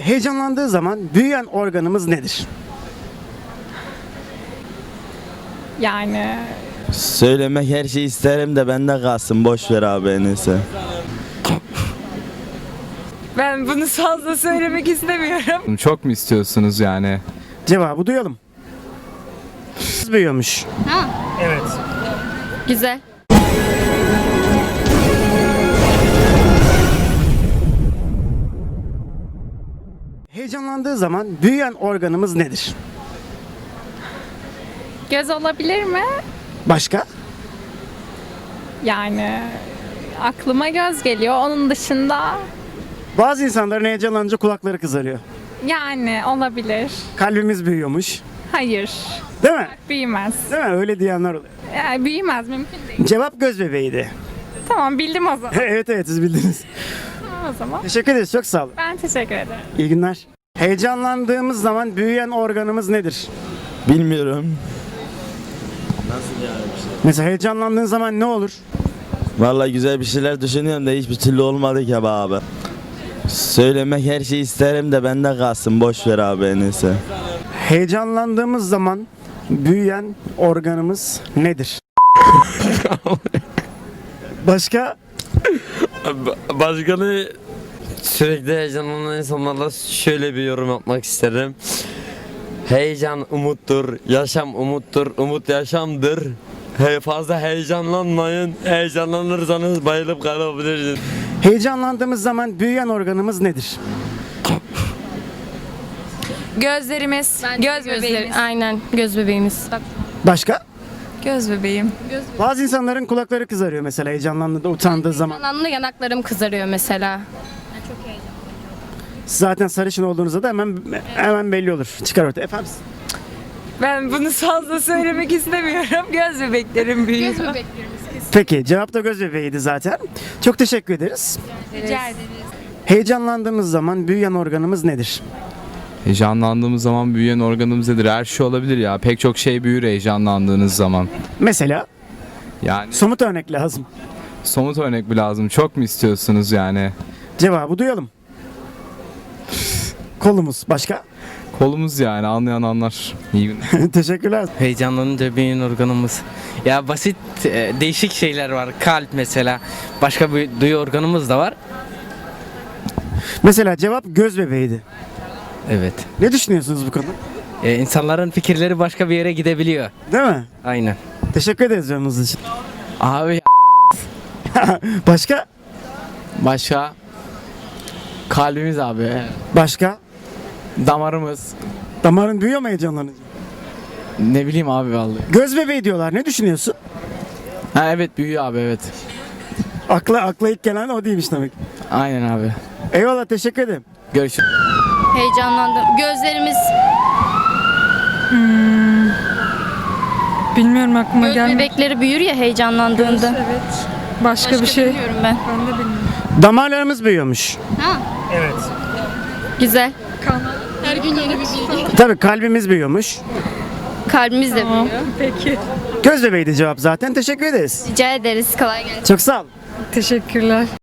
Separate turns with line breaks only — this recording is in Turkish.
Heyecanlandığı zaman büyüyen organımız nedir?
Yani
Söylemek her şeyi isterim de bende kalsın. Boş ver abi en iyisi.
ben bunu fazla söylemek istemiyorum.
Çok mu istiyorsunuz yani?
Cevabı duyalım. Büyüyormuş.
Ha,
Evet.
güzel.
Heyecanlandığı zaman büyüyen organımız nedir?
Göz olabilir mi?
Başka?
Yani aklıma göz geliyor. Onun dışında
Bazı insanların heyecanlanınca kulakları kızarıyor.
yani olabilir.
Kalbimiz büyüyormuş.
Hayır.
Değil mi?
Büyümez.
Değil mi? Öyle diyenler oluyor.
Yani büyümez, mümkün değil.
Cevap göz bebeğiydi.
Tamam, bildim o zaman.
Evet siz bildiniz.
Tamam o zaman.
Teşekkür ederiz. Çok sağ olun.
Ben teşekkür ederim.
İyi günler. Heyecanlandığımız zaman büyüyen organımız nedir?
Bilmiyorum.
Mesela heyecanlandığın zaman ne olur?
Vallahi güzel bir şeyler düşünüyorum da hiçbir türlü olmadı ki be abi. Söylemek her şeyi isterim de bende kalsın. Boş ver abi en iyisi.
Heyecanlandığımız zaman büyüyen organımız nedir? Başka?
Başkanı sürekli heyecanlanan insanlarla şöyle bir yorum yapmak isterim. Heyecan umuttur, yaşam umuttur, umut yaşamdır. Fazla heyecanlanmayın, heyecanlanırsanız bayılıp kalabilirsiniz.
Heyecanlandığımız zaman büyüyen organımız nedir?
Gözlerimiz, göz bebeğimiz.
Aynen, göz bebeğimiz.
Başka?
Göz bebeğim.
Bazı insanların kulakları kızarıyor mesela heyecanlandığında, utandığı zaman.
Anlamda yanaklarım kızarıyor mesela.
Zaten sarışın olduğunuzda da hemen belli olur. Çıkar ortaya. Efendim?
Ben bunu fazla söylemek istemiyorum. Göz bebeklerim büyüyor.
Göz bebeklerimiz kesin.
Peki cevap da göz bebeğiydi zaten. Çok teşekkür ederiz.
Rica ederiz.
Heyecanlandığımız zaman büyüyen organımız nedir?
Heyecanlandığımız zaman büyüyen organımız nedir? Her şey olabilir ya. Pek çok şey büyür heyecanlandığınız zaman.
Mesela
Yani
somut örnek lazım.
somut örnek mi lazım? Çok mu istiyorsunuz yani?
Cevabı duyalım. Kolumuz. Başka?
Kolumuz yani, anlayan anlar. İyi günler.
Teşekkürler.
Heyecanlanınca beyin organımız. Ya basit değişik şeyler var. Kalp mesela. Başka bir duyu organımız da var.
Mesela cevap göz bebeğiydi.
Evet.
Ne düşünüyorsunuz bu konuda?
İnsanların fikirleri başka bir yere gidebiliyor.
Değil mi?
Aynen.
Teşekkür ederiz yorumunuz için.
Abi
Başka?
başka kalbimiz abi.
Başka?
Damarımız.
Damarın büyüyor mu heyecanlanınca?
Ne bileyim abi vallahi.
Göz bebeği diyorlar. Ne düşünüyorsun?
Ha evet büyüyor abi evet.
Akla ilk gelen o değilmiş demek.
Aynen abi.
Eyvallah teşekkür ederim.
Görüşürüz.
Heyecanlandım. Gözlerimiz,
Bilmiyorum, aklıma
göz
gelmedi.
bebekleri büyür ya heyecanlandığında.
Evet. Başka bir şey.
Bilmiyorum ben.
Ben de bilmiyorum.
Damarlarımız büyüyormuş.
Ha,
Evet.
güzel. Her gün yeni bir bilgi.
Tabii kalbimiz büyüyormuş.
Kalbimiz de büyüyor.
Peki.
Göz bebeğiydi cevap zaten. Teşekkür ederiz.
Rica ederiz. Kolay gelsin.
Çok sağ olun.
Teşekkürler.